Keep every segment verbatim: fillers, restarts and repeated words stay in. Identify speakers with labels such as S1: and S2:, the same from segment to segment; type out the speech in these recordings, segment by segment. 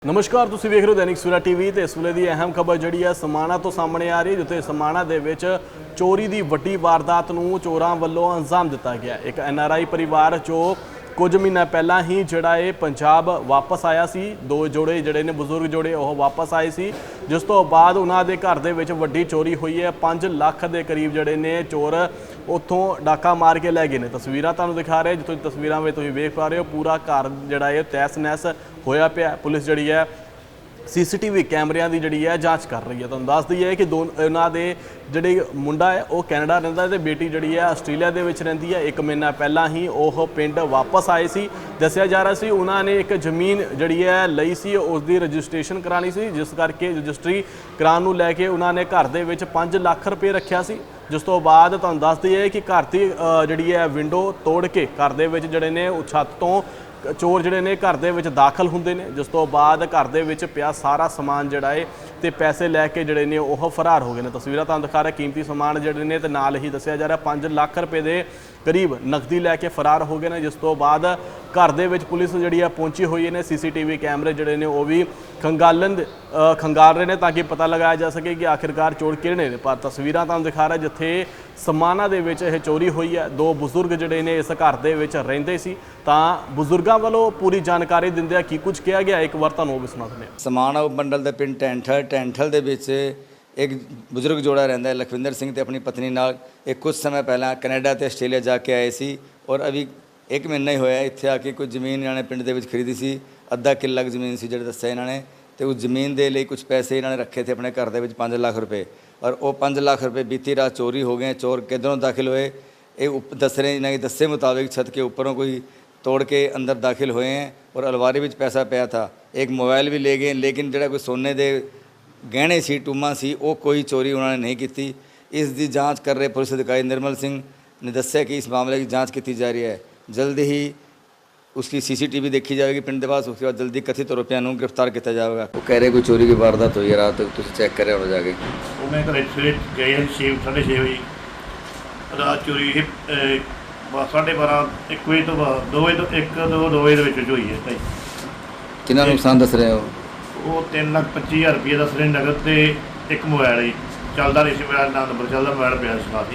S1: नमस्कार, तुसीं वेख रहे हो दैनिक सवेरा टीवी। तो इस वेले की अहम खबर जी है समाणा तो सामने आ रही है, जिथे समाणा दे विच चोरी की वड्डी वारदात नूं चोरां वल्लों अंजाम दिता गया। एक एन आर आई परिवार जो कुछ महीना पहला ही जिहड़ा है पंजाब वापस आया सी। दो जोड़े जिहड़े ने बुजुर्ग जोड़े वह वापस आए सी, जिस तो बाद उन्हां दे घर दे विच वड्डी चोरी हुई है। पाँच लाख के करीब जिहड़े ने चोर उत्थों डाका मार के लै गए ने। तस्वीरां तुहानूं दिखा रहे, जिथों तस्वीरां में तुसीं वेख पा रहे हो, पूरा घर जिहड़ा है तहस नहस होया पिया। पुलिस जिहड़ी है सी सी टी वी कैमरिਆਂ की जी है जाँच कर रही है। तुहानूं दस दईए कि दो उन्होंने दे जिहड़े मुंडा है वह कैनेडा रहिंदा ते बेटी जी है आस्ट्रेलिया दे विच रहिंदी है। एक महीना पहला ही वह पिंड वापस आए सी। दस्सिया जा रहा सी उन्होंने एक जमीन जी है लई सी, उसकी रजिस्ट्रेशन करानी सी, जिस करके रजिस्ट्री कराउण नूं लैके उन्होंने घर दे विच पाँच लाख रुपये रखिया सी। जिस तो बाद तुहानूं दस दईए कि घर की जिहड़ी है विंडो तोड़ के घर दे विच जिहड़े ने छत तो चोर जिहड़े ने घर दे विच दाखल हुंदे ने। जिस तो बाद घर दे विच पिया सारा समान जिहड़ा है ते पैसे लैके जिहड़े ने ओह फरार हो गए ने। तस्वीरां तुहानूं दिखा रहे, कीमती समान जिहड़े ने ते नाल ही दस्सिया जा रहा पाँच लाख रुपए दे करीब नकदी लैके फरार हो गए ने। जिस तो बाद घर दे विच पुलिस जिहड़ी है पहुंची हुई ने। सी सी टी वी कैमरे जिहड़े ने वो भी खंगालन खंगाल रहे हैं ताकि पता लगाया जा सके कि आखिरकार चोर किहड़े ने। पर तस्वीरां तुहानूं दिखा रहा जिथे समाणा दे विच यह चोरी हुई है। दो बुजुर्ग जिहड़े ने इस घर दे विच रहिंदे सी, तां बुजुर्गां वालों पूरी जानकारी दिंदे की कुछ कहा गया, एक बार तुहानूं वो भी सुणा दिंदे हां।
S2: समाणा उपमंडल के पिंड टैंठल टैंठल दे विच एक बुजुर्ग जोड़ा रहिंदा है लखविंदर सिंह ते अपनी पत्नी नाल। एक कुछ समय पहला कनाडा ते आस्ट्रेलिया जाके आए सी और अभी एक महीना ही होया इत्थे आके कुछ जमीन इन्होंने पिंड दे विच खरीदी सी। अद्धा किला जमीन सी जिहड़ी दस्सिया इन्होंने, तो उस जमीन के लिए कुछ पैसे इन्होंने रखे थे अपने घर दे विच पाँच लाख रुपए, और वो पाँच लाख रुपए बीती रात चोरी हो गए। चोर किधरों दाखिल होए ये दस रहे, इन्होंने दस्से मुताबिक छत के ऊपरों कोई तोड़ के अंदर दाखिल हुए हैं और अलमारी में पैसा पाया था। एक मोबाइल भी ले गए, लेकिन जो कोई सोने के गहने सी टूमा सी वो कोई चोरी उन्होंने नहीं की। इसकी जांच कर रहे पुलिस अधिकारी निर्मल सिंह ने दस्सिया कि इस मामले की जांच की जा रही है। जल्द ही उसकी सी सी टी वी देखी जाएगी पिंड के पास, उसके बाद जल्दी कथित आरोपियों को गिरफ्तार किया जाएगा। वो कह रहे कोई चोरी की वारदात हुई है रात, तुम चेक करे हो जाके।
S3: मैं घर सवेरे गए छे साढ़े छे बजे रात चोरी साढ़े बारह एक बजे तो बाद दो बजे तो एक दो दो बजे हुई है भाई।
S2: कितना नुकसान दस रहे हो?
S3: वो तीन लाख पच्ची हज़ार रुपये दस रहे नगद तो एक मोबाइल ही चलता नहीं सी, मेरा ना नंबर चलता मोबाइल पिया साथ ही।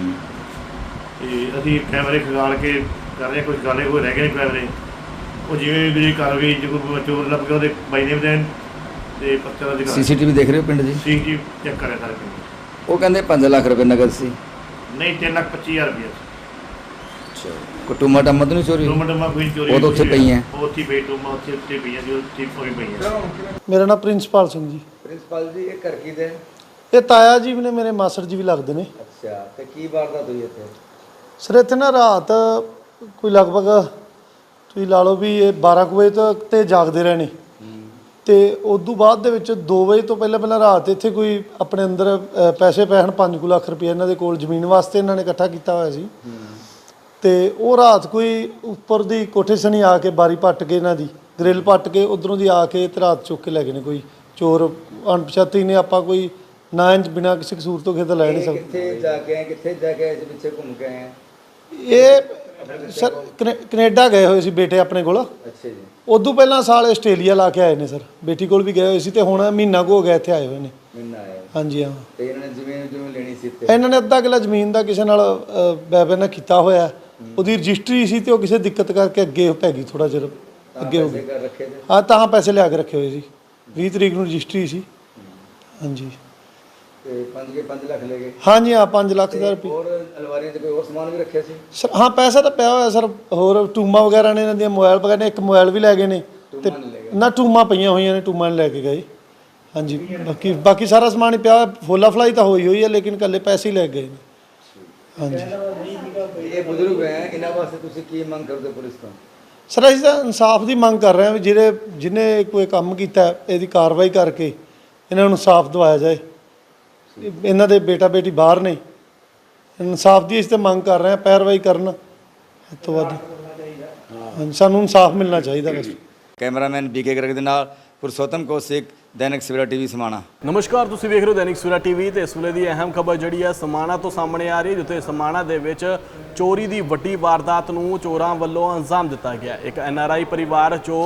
S3: अभी कैमरे खगाल के कर रहे, कुछ गाले कोई रह गए कैमरे वो जिवें भी कार्रवाई जो कोई चोर लग गया बाई नेम देन ते पत्ता दा
S2: सी सी टी वी देख रहे हो पिंड जी?
S3: सी टी चेक करे सारे पिंड।
S2: वो कहते पाँच लाख रुपए नगद सी?
S3: नहीं, तीन लाख पच्ची हज़ार रुपये।
S2: कोई टूमा टामा तो नहीं चोरी?
S3: टूमा टूमा कोई चोरी
S2: वो तो उत्थे पई हैं,
S3: ਉੱਥੇ ਪਈ ਟੂਮਾ ਉੱਥੇ ਉੱਥੇ ਪਈਆਂ ਸੀ, ਉੱਥੇ ਕੋਈ ਪਈਆਂ।
S4: मेरा नाम प्रिंसिपाल सिंह जी।
S2: प्रिंसिपल जी ये घर की दे
S4: ये ताया जी भी ने, मेरे मासड़ जी भी लगते हैं।
S2: अच्छा, तो की वारदात हुई इत्थे?
S4: सर इत्थे ना रात कोई लगभग तुसीं ला लो भी ये बारह कुछ बजे तक ते जागते रहे ने, तो उदू बाद दे विच दो बजे तो पहले पहले रात इत्थे कोई अपने अंदर पैसे पैन पाँच कुछ लाख रुपये इन्हों के जमीन वास्ते इन्होंने इकट्ठा किया हुआ सी। तो वो रात कोई उपर दी कोठे सनी आके बारी पट के इन्हों की ग्रिल पट के उधरों दी आके तो रात चुक के लै गए कोई चोर अणपछाती ने। आप कोई ना इंज बिना किसी कसूर तो किते लै नहीं सकते।
S2: कित्थे जाके आए, कित्थे जाके आए, पिछे घूम के आए?
S4: ये सर कनेडा गए हुए सी बेटे अपने कोल।
S2: अच्छा जी।
S4: उदू पहला साल आस्ट्रेलिया ला के आए ने सर, बेटी कोल भी गए हुए सी ते हुण महीना को हो गया इत्थे आए हुए ने।
S2: महीना आए?
S4: हाँ जी हाँ।
S2: तो इन्होंने जमीन जमीन लेनी सी ते
S4: इन्होंने अद्धा किला जमीन का किसी नाल बैबे ने किया होया, ਉਹਦੀ रजिस्ट्री सी तो किसी दिक्कत करके अगे पै गई, थोड़ा चिर अगे हो गई।
S2: रखे थे?
S4: हाँ तां पैसे लिया के रखे हुए सी, बीस तरीक नूं रजिस्ट्री सी। हाँ जी।
S2: ते पाँच के पाँच लाख ले गए?
S4: हाँ जी हाँ, पाँच लाख हज़ार रुपये।
S2: और अलमारी च कोई और सामान भी रखे सी?
S4: सर हाँ पैसा तो पिया होया सर, होर टूमा वगैरह ने, इन्होंने मोबाइल वगैरह ने, एक मोबाइल भी लै गए ने ते ना टूमा पईयां होईयां ने, टूमा नहीं लैके गए। हाँ जी, बाकी बाकी सारा समान ही पिया, फुला फलाई तो होई हुई है, लेकिन कल्ले पैसे ही लै गए ने। हाँ जी।
S2: ये बुजुर्ग हैं, इन्हां वास्ते तुसीं की मंग करदे पुलिस तो?
S4: सर असीं तां इंसाफ की मंग कर रहे हैं भी जिहड़े जिन्हें कोई काम कीता इहदी कार्रवाई करके इन्हां नूं इंसाफ दिवाया जाए। इन्हां दे बेटा बेटी बाहर ने, इंसाफ की असीं तां मंग कर रहे हैं, पैरवाई करन हद तो वध। हाँ सानूं इंसाफ मिलना चाहिए बस।
S2: कैमरामैन बी के गर्ग दे नाल पुरुषोत्तम कौशिक, दैनिक सवेरा टीवी समाणा।
S1: नमस्कार, तुसीं वेख रहे हो दैनिक सवेरा टीवी। तो इस वेले की अहम खबर जी है समाणा तो सामने आ रही है, जिथे समाणा दे विच चोरी की वड्डी वारदात नूं चोरां वल्लों अंजाम दिता गया। एक एन आर आई परिवार जो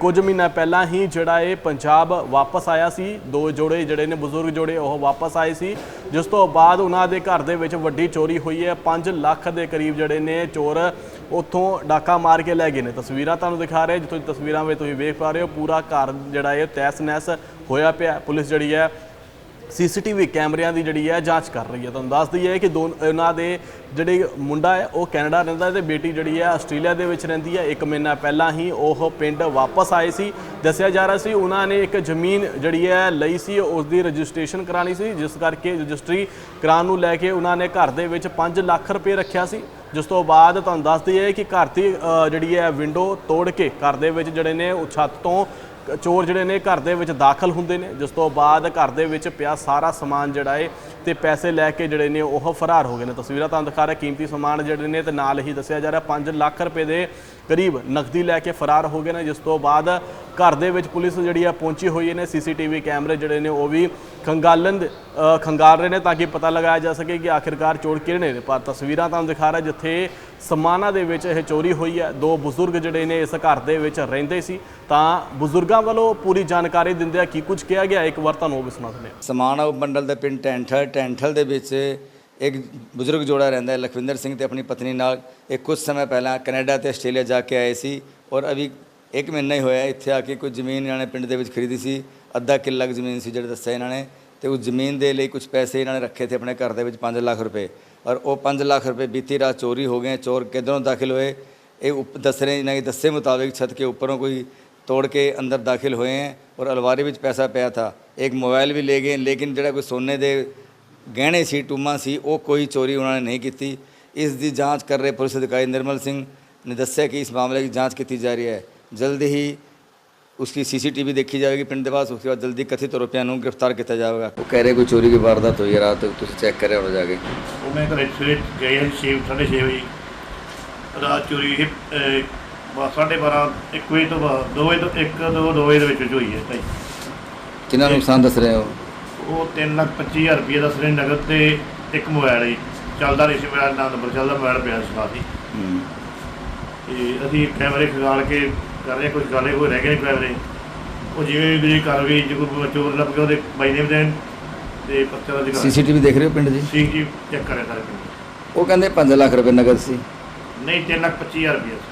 S1: ਕੁਝ ਮਹੀਨਾ ਪਹਿਲਾਂ ਹੀ ਜਿਹੜਾ ਇਹ ਪੰਜਾਬ ਵਾਪਸ ਆਇਆ ਸੀ। ਦੋ ਜੋੜੇ ਜਿਹੜੇ ਨੇ ਬਜ਼ੁਰਗ ਜੋੜੇ ਉਹ ਵਾਪਸ ਆਏ ਸੀ, ਜਿਸ ਤੋਂ ਬਾਅਦ ਉਹਨਾਂ ਦੇ ਘਰ ਦੇ ਵਿੱਚ ਵੱਡੀ ਚੋਰੀ ਹੋਈ ਹੈ। ਪੰਜ ਲੱਖ ਦੇ ਕਰੀਬ ਜਿਹੜੇ ਨੇ ਚੋਰ ਉੱਥੋਂ ਡਾਕਾ ਮਾਰ ਕੇ ਲੈ ਗਏ ਨੇ। ਤਸਵੀਰਾਂ ਤੁਹਾਨੂੰ ਦਿਖਾ ਰਹੇ, ਜਿੱਥੋਂ ਤਸਵੀਰਾਂ ਵਿੱਚ ਤੁਸੀਂ ਵੇਖ ਪਾ ਰਹੇ ਹੋ, ਪੂਰਾ ਘਰ ਜਿਹੜਾ ਇਹ ਤਹਿਸ ਨਹਿਸ ਹੋਇਆ ਪਿਆ। ਪੁਲਿਸ ਜਿਹੜੀ ਹੈ ਸੀਸੀਟੀਵੀ ਕੈਮਰਿਆਂ ਦੀ ਜਿਹੜੀ ਹੈ ਜਾਂਚ ਕਰ ਰਹੀ ਹੈ। ਤੁਹਾਨੂੰ ਦੱਸ ਦਈਏ ਕਿ ਦੋ ਉਹਨਾਂ ਦੇ ਜਿਹੜੇ ਮੁੰਡਾ ਹੈ ਉਹ ਕੈਨੇਡਾ ਰਹਿੰਦਾ ਤੇ ਬੇਟੀ ਜਿਹੜੀ ਹੈ ਆਸਟ੍ਰੇਲੀਆ ਦੇ ਵਿੱਚ ਰਹਿੰਦੀ ਹੈ। ਇੱਕ ਮਹੀਨਾ ਪਹਿਲਾਂ ਹੀ ਉਹ ਪਿੰਡ ਵਾਪਸ ਆਏ ਸੀ। ਦੱਸਿਆ ਜਾ ਰਿਹਾ ਸੀ ਉਹਨਾਂ ਨੇ ਇੱਕ ਜ਼ਮੀਨ ਜਿਹੜੀ ਹੈ ਲਈ ਸੀ, ਉਸ ਦੀ ਰਜਿਸਟ੍ਰੇਸ਼ਨ ਕਰਾਉਣੀ ਸੀ, ਜਿਸ ਕਰਕੇ ਰਜਿਸਟਰੀ ਕਰਾਉਣ ਨੂੰ ਲੈ ਕੇ ਉਹਨਾਂ ਨੇ ਘਰ ਦੇ ਵਿੱਚ ਪੰਜ ਲੱਖ ਰੁਪਏ ਰੱਖਿਆ ਸੀ। ਜਿਸ ਤੋਂ ਬਾਅਦ ਤੁਹਾਨੂੰ ਦੱਸ ਦਈਏ ਕਿ ਘਰ ਦੀ ਜਿਹੜੀ ਹੈ ਵਿੰਡੋ ਤੋੜ ਕੇ ਘਰ ਦੇ ਵਿੱਚ ਜਿਹੜੇ ਨੇ ਉਹ ਛੱਤ ਤੋਂ ਚੋਰ ਜਿਹੜੇ ਨੇ ਘਰ ਦੇ ਵਿੱਚ ਦਾਖਲ ਹੁੰਦੇ ਨੇ, ਜਿਸ ਤੋਂ ਬਾਅਦ ਘਰ ਦੇ ਵਿੱਚ ਪਿਆ ਸਾਰਾ ਸਮਾਨ ਜਿਹੜਾ ਹੈ ਤੇ ਪੈਸੇ ਲੈ ਕੇ ਜਿਹੜੇ ਨੇ ਉਹ ਫਰਾਰ ਹੋ ਗਏ ਨੇ। ਤਸਵੀਰਾਂ ਤੁਹਾਨੂੰ ਦਿਖਾ ਰਿਹਾ, ਕੀਮਤੀ ਸਮਾਨ ਜਿਹੜੇ ਨੇ ਤੇ ਨਾਲ ਹੀ ਦੱਸਿਆ ਜਾ ਰਿਹਾ ਪੰਜ ਲੱਖ ਰੁਪਏ ਦੇ ਕਰੀਬ ਨਕਦੀ ਲੈ ਕੇ ਫਰਾਰ ਹੋ ਗਏ ਨੇ। ਜਿਸ ਤੋਂ ਬਾਅਦ ਘਰ ਦੇ ਵਿੱਚ ਪੁਲਿਸ ਜਿਹੜੀ ਹੈ ਪਹੁੰਚੀ ਹੋਈ ਨੇ। ਸੀਸੀਟੀਵੀ ਕੈਮਰੇ ਜਿਹੜੇ ਨੇ ਉਹ ਵੀ ਖੰਗਾਲਣ ਖੰਗਾਲ ਰਹੇ ਨੇ ਤਾਂ ਕਿ ਪਤਾ ਲਗਾਇਆ ਜਾ ਸਕੇ ਕਿ ਆਖਿਰਕਾਰ ਚੋਰ ਕਿਹੜੇ ਨੇ। ਪਰ ਤਸਵੀਰਾਂ ਤੁਹਾਨੂੰ ਦਿਖਾ ਰਿਹਾ ਜਿੱਥੇ ਸਮਾਨਾਂ ਦੇ ਵਿੱਚ ਇਹ ਚੋਰੀ ਹੋਈ ਹੈ। ਦੋ ਬਜ਼ੁਰਗ ਜਿਹੜੇ ਨੇ ਇਸ ਘਰ ਦੇ ਵਿੱਚ ਰਹਿੰਦੇ ਸੀ, ਤਾਂ ਬਜ਼ੁਰਗਾਂ ਵੱਲੋਂ ਪੂਰੀ ਜਾਣਕਾਰੀ ਦਿੰਦਿਆਂ ਕੀ ਕੁਝ ਕਿਹਾ ਗਿਆ, ਇੱਕ ਵਾਰ ਤੁਹਾਨੂੰ ਉਹ ਵੀ ਸੁਣਾ ਦਿੰਦੇ ਹਾਂ।
S2: ਸਮਾਣਾ ਉਪਮੰਡਲ ਦੇ ਪਿੰਡ ਟੈਂਠਲ ਟੈਂਠਲ ਦੇ ਵਿੱਚ ਇੱਕ ਬਜ਼ੁਰਗ ਜੋੜਾ ਰਹਿੰਦਾ ਹੈ, ਲਖਵਿੰਦਰ ਸਿੰਘ ਤੇ ਆਪਣੀ ਪਤਨੀ ਨਾਲ। ਇਹ ਕੁਝ ਸਮੇਂ ਪਹਿਲਾਂ ਕੈਨੇਡਾ ਤੇ ਆਸਟ੍ਰੇਲੀਆ ਜਾ ਕੇ ਆਏ ਸੀ ਔਰ ਅਭੀ ਇੱਕ ਮਹੀਨਾ ਹੀ ਹੋਇਆ ਇੱਥੇ ਆ ਕੇ ਕੋਈ ਜ਼ਮੀਨ ਇਹਨਾਂ ਨੇ ਪਿੰਡ ਦੇ ਵਿੱਚ ਖਰੀਦੀ ਸੀ। ਅੱਧਾ ਕਿੱਲਾ ਕੁ ਜ਼ਮੀਨ ਸੀ ਜਿਹੜੇ ਦੱਸਿਆ ਇਹਨਾਂ ਨੇ, ਤੇ ਉਸ ਜ਼ਮੀਨ ਦੇ ਲਈ ਕੁਝ ਪੈਸੇ ਇਹਨਾਂ ਨੇ ਰੱਖੇ थे ਆਪਣੇ ਘਰ ਦੇ ਵਿੱਚ ਪੰਜ ਲੱਖ ਰੁਪਏ। ਔਰ ਉਹ ਪੰਜ ਲੱਖ ਰੁਪਏ ਬੀਤੀ ਰਾਤ ਚੋਰੀ ਹੋ ਗਏ। ਚੋਰ ਕਿੱਧਰੋਂ ਦਾਖਿਲ ਹੋਏ ਇਹ ਉਪ ਦੱਸ ਰਹੇ ਇਹਨਾਂ के दस्से मुताबिक छत के ऊपरों कोई तोड़ के अंदर दाखिल हुए हैं और अलमारी में पैसा पाया था। एक मोबाइल भी ले गए, लेकिन जो कोई सोने के गहने सी टूमा सी वो कोई चोरी उन्होंने नहीं की। इस दी जांच कर रहे पुलिस अधिकारी निर्मल सिंह ने दस्या कि इस मामले की जांच की जा रही है। जल्द ही उसकी सीसीटीवी देखी जाएगी पिंड के पास, उसके बाद जल्दी कथित आरोपियों को गिरफ्तार किया जाएगा। वो कह रहे कोई चोरी की वारदात हुई है रात, तुम चेक करें और जाके
S3: ਉਹ ਮੈਂ ਘਰੇ ਸਵੇਰੇ ਗਏ ਹਾਂ ਛੇ ਸਾਢੇ ਛੇ ਵਜੇ ਰਾਤ ਚੋਰੀ ਇਹ ਬਸ ਸਾਢੇ ਬਾਰਾਂ ਇੱਕ ਵਜੇ ਤੋਂ ਬਾਅਦ ਦੋ ਵਜੇ ਤੋਂ ਇੱਕ ਦੋ ਦੋ ਵਜੇ ਦੇ ਵਿੱਚ ਹੋਈ ਹੈ ਭਾਈ।
S2: कितना नुकसान दस रहे हो?
S3: ਉਹ ਤਿੰਨ ਲੱਖ ਪੱਚੀ ਹਜ਼ਾਰ ਰੁਪਏ ਦਾ ਸਿਰੇ ਨਗਦ ਤੇ ਇੱਕ ਮੋਬਾਈਲ ਜੀ ਚੱਲਦਾ ਨਹੀਂ ਸੀ, ਮੇਰਾ ਨਾ ਨੰਬਰ ਚੱਲਦਾ, ਮੋਬਾਈਲ ਪਿਆ ਸੀ ਸਾਥੀ। ਤੇ ਅਸੀਂ ਕੈਮਰੇ ਖਗਾਲ ਕੇ ਕਰ ਰਹੇ ਕੁਝ ਗਾਲੇ ਹੋਏ ਰਹਿ ਗਏ ਕੈਮਰੇ, ਉਹ ਜਿਵੇਂ ਵੀ ਕਰ ਗਈ ਜੇ ਕੋਈ ਚੋਰ ਲੱਭ ਗਿਆ ਉਹਦੇ ਬਾਈ ਨੇਮ ਦੇਣ ਤੇ ਪੱਤਰ ਦਾ ਦਿਖਾ
S2: सीसीटीवी देख रहे हो पिंड जी?
S3: ਸੀ ਜੀ ਚੈੱਕ ਕਰਿਆ ਸਾਰੇ ਪਿੰਡ।
S2: वो कहते पाँच लाख रुपए नगद सी।
S3: ਨਹੀਂ ਤਿੰਨ ਲੱਖ ਪੱਚੀ ਹਜ਼ਾਰ ਰੁਪਏ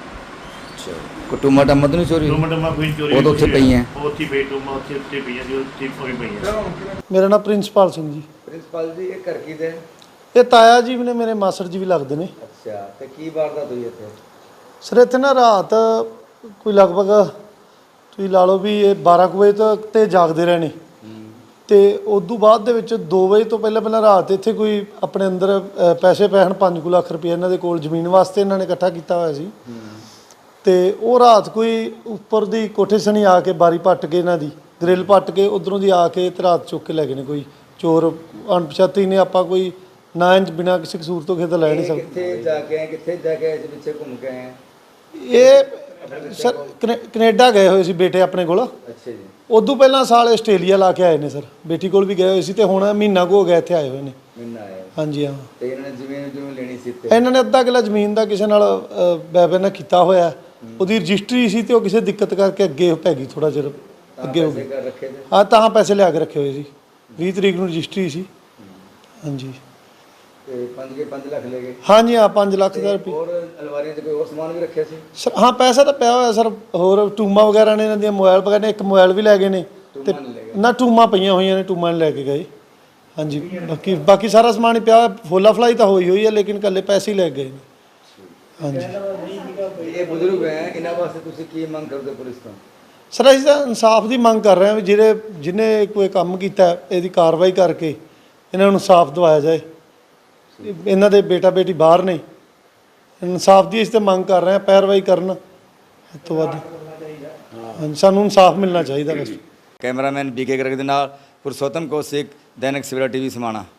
S2: कोई टूमा टामा तो नहीं चोरी?
S3: ਟੂਮਾ ਟੂਮਾ ਕੋਈ ਚੋਰੀ
S2: ਉਹ ਤਾਂ ਉੱਥੇ ਪਈਆਂ।
S3: ਉਹ ਉੱਥੇ ਪਈ ਟੂਮਾ ਉੱਥੇ ਉੱਥੇ ਪਈਆਂ ਜੀ, ਉੱਥੇ ਪਈ ਪਈਆਂ।
S4: ਮੇਰਾ ਨਾਮ ਪ੍ਰਿੰਸਪਾਲ ਸਿੰਘ ਜੀ।
S2: प्रिंसिपल जी ये घर की दे?
S4: ਇਹ ਤਾਇਆ ਜੀ ਵੀ ਨੇ, ਮੇਰੇ ਮਾਸੜ ਜੀ ਵੀ ਲੱਗਦੇ ਨੇ।
S2: अच्छा ते की वारदात हुई इत्थे?
S4: ਸਰ ਇੱਥੇ ਨਾ ਰਾਤ ਕੋਈ ਲਗਭਗ ਤੁਸੀਂ ਲਾ ਲਓ ਵੀ ਇਹ ਬਾਰਾਂ ਕੁ ਵਜੇ ਤੱਕ ਤੇ ਜਾਗਦੇ ਰਹੇ ਨੇ, ਤੇ ਉਦੋਂ ਬਾਅਦ ਦੇ ਵਿੱਚ ਦੋ ਵਜੇ ਤੋਂ ਪਹਿਲਾਂ ਪਹਿਲਾਂ ਰਾਤ ਇੱਥੇ ਕੋਈ ਆਪਣੇ ਅੰਦਰ ਅ, ਪੈਸੇ ਪੈਣ ਪੰਜ ਕੁ ਲੱਖ ਰੁਪਏ ਇਹਨਾਂ ਦੇ ਕੋਲ ਜ਼ਮੀਨ ਵਾਸਤੇ ਇਹਨਾਂ ਨੇ ਇਕੱਠਾ ਕੀਤਾ ਹੋਇਆ ਸੀ। ਤੇ ਉਹ ਰਾਤ ਕੋਈ ਉੱਪਰ ਦੀ ਕੋਠੇ ਸਣੀ ਆ ਕੇ ਬਾਰੀ ਪੱਟ ਕੇ ਇਹਨਾਂ ਦੀ ਗ੍ਰਿਲ ਪੱਟ ਕੇ ਉਧਰੋਂ ਦੀ ਆ ਕੇ ਤੇ ਰਾਤ ਚੁੱਕ ਕੇ ਲੈ ਗਏ ਨੇ। ਕੋਈ ਚੋਰ ਅਣਪਛਾਤੇ ਨੇ, ਆਪਾਂ ਕੋਈ ਨਾ ਇੰਜ ਬਿਨਾਂ ਕਿਸੇ ਕਸੂਰ ਤੋਂ ਕਿਸੇ ਦਾ ਲੈ ਨਹੀਂ ਸਕਦੇ।
S2: किथे जाके आए, किथे जाके आए, पीछे घूम के आए हैं?
S4: ਇਹ ਸਰ ਕਨੇ- ਕੈਨੇਡਾ ਗਏ ਹੋਏ ਸੀ ਬੇਟੇ ਆਪਣੇ ਕੋਲ।
S2: अच्छा जी।
S4: ਉਦੋਂ ਪਹਿਲਾਂ ਸਾਲ ਆਸਟ੍ਰੇਲੀਆ ਲਾ ਕੇ ਆਏ ਨੇ ਸਰ, ਬੇਟੀ ਕੋਲ ਵੀ ਗਏ ਹੋਏ ਸੀ ਤੇ ਹੁਣ ਮਹੀਨਾ ਕੁ ਹੋ ਗਿਆ ਇੱਥੇ ਆਏ ਹੋਏ ਨੇ।
S2: महीना आया
S4: ਹਾਂਜੀ ਹਾਂ,
S2: ਤੇ ਇਹਨਾਂ ਨੇ ਜ਼ਮੀਨ ਜ਼ਮੀਨ ਲੈਣੀ ਸੀ ਤੇ
S4: ਇਹਨਾਂ ਨੇ ਅੱਧਾ ਕਿੱਲਾ ਜ਼ਮੀਨ ਦਾ ਕਿਸੇ ਨਾਲ ਬੈਬੇ ਨਾਲ ਕੀਤਾ ਹੋਇਆ। ਉਹਦੀ ਰਜਿਸਟਰੀ ਸੀ ਤੇ ਉਹ ਕਿਸੇ ਦਿੱਕਤ ਕਰਕੇ ਅੱਗੇ ਪੈ ਗਈ, ਥੋੜਾ ਚਿਰ ਅੱਗੇ ਹੋ ਗਈ।
S2: ਕਰ ਰੱਖੇ ਤੇ
S4: ਹਾਂ, ਤਾਂ ਪੈਸੇ ਲਿਆ ਕੇ ਰੱਖੇ ਹੋਏ ਸੀ। ਵੀਹ ਤਰੀਕ ਨੂੰ ਰਜਿਸਟਰੀ ਸੀ। ਹਾਂਜੀ
S2: ਤੇ ਪੰਜ ਕੇ ਪੰਜ ਲੱਖ ਲੈ ਗਏ।
S4: ਹਾਂਜੀ ਹਾਂ, ਪੰਜ ਲੱਖ ਦਾ ਰੁਪਏ।
S2: ਹੋਰ ਅਲਮਾਰੀਆਂ 'ਚ ਕੋਈ ਹੋਰ ਸਮਾਨ ਵੀ ਰੱਖਿਆ ਸੀ?
S4: ਸਰ ਹਾਂ, ਪੈਸਾ ਤਾਂ ਪਿਆ ਹੋਇਆ ਸਰ। ਹੋਰ ਟੂਮਾ ਵਗੈਰਾ ਨੇ, ਇਹਨਾਂ ਦੀਆਂ ਮੋਬਾਈਲ ਵਗੈਰਾ ਨੇ, ਇੱਕ ਮੋਬਾਈਲ ਵੀ ਲੈ ਗਏ ਨੇ ਤੇ ਨਾ ਟੂਮਾ ਪਈਆਂ ਹੋਈਆਂ ਨੇ, ਟੂਮਾ ਨੇ ਲੈ ਕੇ ਗਏ। ਹਾਂਜੀ, ਬਾਕੀ ਬਾਕੀ ਸਾਰਾ ਸਮਾਨ ਹੀ ਪਿਆ ਹੋਇਆ। ਫੋਲਾ ਫਲਾਈ ਤਾਂ ਹੋਈ ਹੋਈ ਹੈ, ਲੇਕਿਨ ਇਕੱਲੇ ਪੈਸੇ ਹੀ ਲੈ ਗਏ ਨੇ। ਹਾਂਜੀ
S2: ਇਹ ਬਜ਼ੁਰਗ ਹੈ, ਇਹਨਾਂ ਵਾਸਤੇ ਤੁਸੀਂ ਕੀ ਮੰਗ ਕਰਦੇ ਹੋ ਪੁਲਿਸ ਤੋਂ?
S4: ਸਰ ਅਸੀਂ ਤਾਂ ਇਨਸਾਫ ਦੀ ਮੰਗ ਕਰ ਰਹੇ ਹਾਂ ਵੀ ਜਿਹੜੇ ਜਿਹਨੇ ਕੋਈ ਕੰਮ ਕੀਤਾ ਇਹਦੀ ਕਾਰਵਾਈ ਕਰਕੇ ਇਹਨਾਂ ਨੂੰ ਇਨਸਾਫ ਦਿਵਾਇਆ ਜਾਏ। ਇਹਨਾਂ ਦੇ ਬੇਟਾ ਬੇਟੀ ਬਾਹਰ ਨੇ, ਇਨਸਾਫ ਦੀ ਅਸੀਂ ਤਾਂ ਮੰਗ ਕਰ ਰਹੇ ਹਾਂ, ਪੈਰਵਾਈ ਕਰਨ ਇਸ ਤੋਂ ਵੱਧ। ਹਾਂਜੀ, ਸਾਨੂੰ ਇਨਸਾਫ ਮਿਲਣਾ ਚਾਹੀਦਾ ਬਸ।
S2: ਕੈਮਰਾਮੈਨ ਬੀਕੇ ਗਰਗ ਦੇ ਨਾਲ ਪੁਰਸ਼ੋਤਮ ਕੌਸ਼ਿਕ, ਦੈਨਿਕ ਸਵੇਰਾ ਟੀਵੀ ਸਮਾਣਾ।